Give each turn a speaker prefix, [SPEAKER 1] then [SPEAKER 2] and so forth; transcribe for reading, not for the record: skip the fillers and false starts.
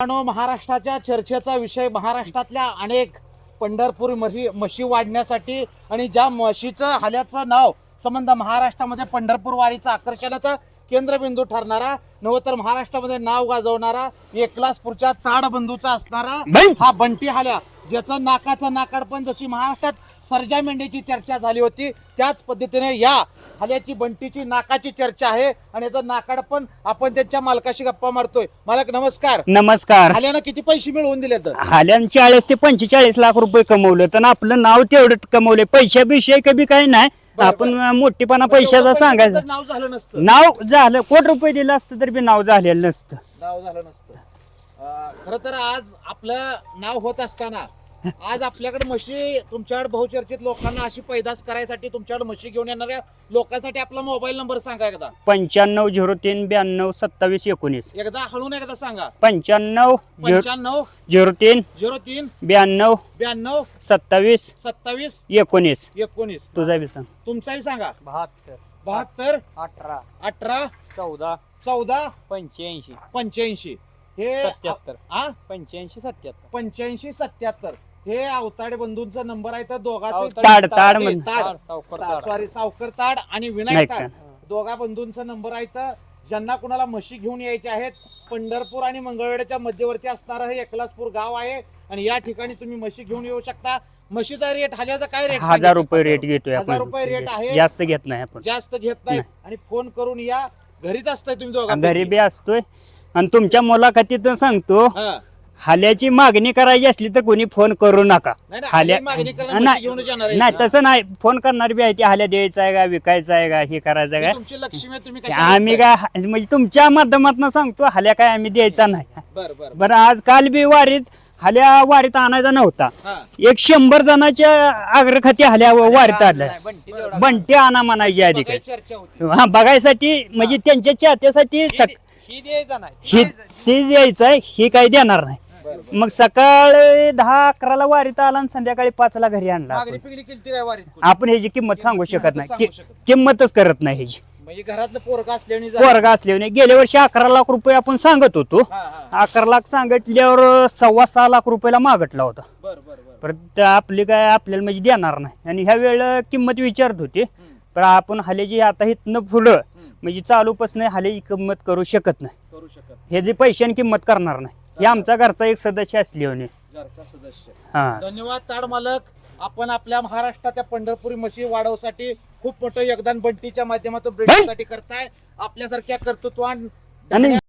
[SPEAKER 1] महाराष्ट्राच्या चर्चेचा विषय महाराष्ट्रातल्या अनेक पंढरपूर म्हशी वाढण्यासाठी आणि ज्या म्हशीचं हाल्याचं नाव संबंध महाराष्ट्रामध्ये पंढरपूर वारीचं आकर्षणाचा केंद्रबिंदू ठरणारा नव तर महाराष्ट्रामध्ये नाव गाजवणारा एकलासपूरच्या ताडबंधूचा असणारा हा बंटी हाल्या, ज्याचं नाकाचं नाकाडपण जशी महाराष्ट्रात सर्जा मेंढीची चर्चा झाली होती त्याच पद्धतीने या हाल्याची बंटीची नाकाची चर्चा आहे आणि याचं नाकाडपण आपण त्यांच्या मालकाशी गप्पा मारतोय. मालक नमस्कार.
[SPEAKER 2] नमस्कार.
[SPEAKER 1] हाल्यानं किती पैसे मिळवून दिले? तर
[SPEAKER 2] हाल्यानं 40 ते 45 लाख रुपये कमवले, तर आपलं नाव तेवढं कमवले. पैशाविषयी कधी काही नाही, आपण मोठेपणा पैशाचा सांगायचं.
[SPEAKER 1] नाव झालं नसतं,
[SPEAKER 2] नाव झालं कोटी रुपये दिलं असतं तरी बी नाव झालेलं नसतं.
[SPEAKER 1] नाव झालं नसतं. खरं तर आज आपलं नाव होत असताना आज आपल्याकडे म्हशी तुमच्याकडे बहुचर्चित लोकांना अशी पैदास करायसाठी तुमच्याकडे म्हशी घेऊन येणाऱ्या लोकांसाठी आपला मोबाईल नंबर सांगा एकदा.
[SPEAKER 2] 9503922719.
[SPEAKER 1] एकदा हळून एकदा सांगा.
[SPEAKER 2] 9503922719. तुझा बी सांग.
[SPEAKER 1] तुमचाही सांगा.
[SPEAKER 3] 72
[SPEAKER 1] 72
[SPEAKER 3] 18
[SPEAKER 1] 18
[SPEAKER 3] 14
[SPEAKER 1] 14
[SPEAKER 3] 85
[SPEAKER 1] 85 हे
[SPEAKER 3] 77
[SPEAKER 1] हा
[SPEAKER 3] 85 77
[SPEAKER 1] 85 77 हे अवताडे बंधूंचा नंबर आहे. तर दोघांचे
[SPEAKER 2] ताड ताड म्हण.
[SPEAKER 1] सॉरी सावकर ताड आणि विनायक ताड दोघा बंधूंचा नंबर आहे. तर ज्यांना कुणाला म्हशी घेऊन यायचे आहेत, पंढरपूर आणि मंगळवेढ्याच्या मध्यवर्ती असणारं हे एकलासपूर गाव आहे आणि या ठिकाणी तुम्ही म्हशी घेऊन येऊ शकता. म्हशीचा रेट हाल्याचा काय रेट?
[SPEAKER 2] 1000 रुपये रेट घेतोय
[SPEAKER 1] 1000 रुपये रेट आहे,
[SPEAKER 2] जास्त घेत नाही आपण.
[SPEAKER 1] जास्त घेत नाही. आणि फोन करून या. घरीच असताय तुम्ही दोघा?
[SPEAKER 2] घरी बी असतोय. आणि तुमच्या मुलाखतीत सांगतो, हाल्याची मागणी करायची असली तर कोणी फोन करू नका. हाल्या नाही तसं नाही, फोन करणार बी आहे ती हाल्या द्यायचा आहे का, विकायचा आहे का, हे करायचं आहे
[SPEAKER 1] तुमची लक्ष्मी तुम्ही
[SPEAKER 2] का. आम्ही काय म्हणजे तुमच्या माध्यमातून सांगतो, हाल्या काय आम्ही द्यायचा नाही. बरं आज काल बी हाल्या वारीत आणायचा नव्हता. 100 जणांच्या आग्रखाती हाल्या वारीत आल्या. बंटी आणा म्हणायची आधी काय हा बघायसाठी, म्हणजे त्यांच्या चाहत्यासाठी हे द्यायचं आहे, हे काही देणार नाही. मग सकाळी 10-11 वारीत आला आणि संध्याकाळी 5 घरी आणला. आपण ह्याची किंमत सांगू शकत नाही, किंमतच करत नाही ह्याची.
[SPEAKER 1] घरातलं पोरगा
[SPEAKER 2] असल्याने गेल्या वर्षी 11 लाख रुपये आपण सांगत होतो. 11 लाख सांगितल्यावर 6.25 लाख रुपयाला मागटला होता. परत आपली काय आपल्याला म्हणजे देणार नाही. आणि ह्या वेळेला किंमत विचारत होते, पण आपण हाल्याची आता इथनं पुढं म्हणजे चालूपासून हाल्याची किंमत करू शकत नाही. हे जे पैशाने किंमत करणार नाही. हे आमचा घरचा एक सदस्य असल्याने.
[SPEAKER 1] धन्यवाद ताड मालक. आपण आपल्या महाराष्ट्राच्या पंढरपुरी म्हशी वाढवण्यासाठी खूप मोठं योगदान बंटीच्या माध्यमातून ब्रिटिशसाठी करताय. आपल्यासारख्या कर्तृत्वान
[SPEAKER 2] आणि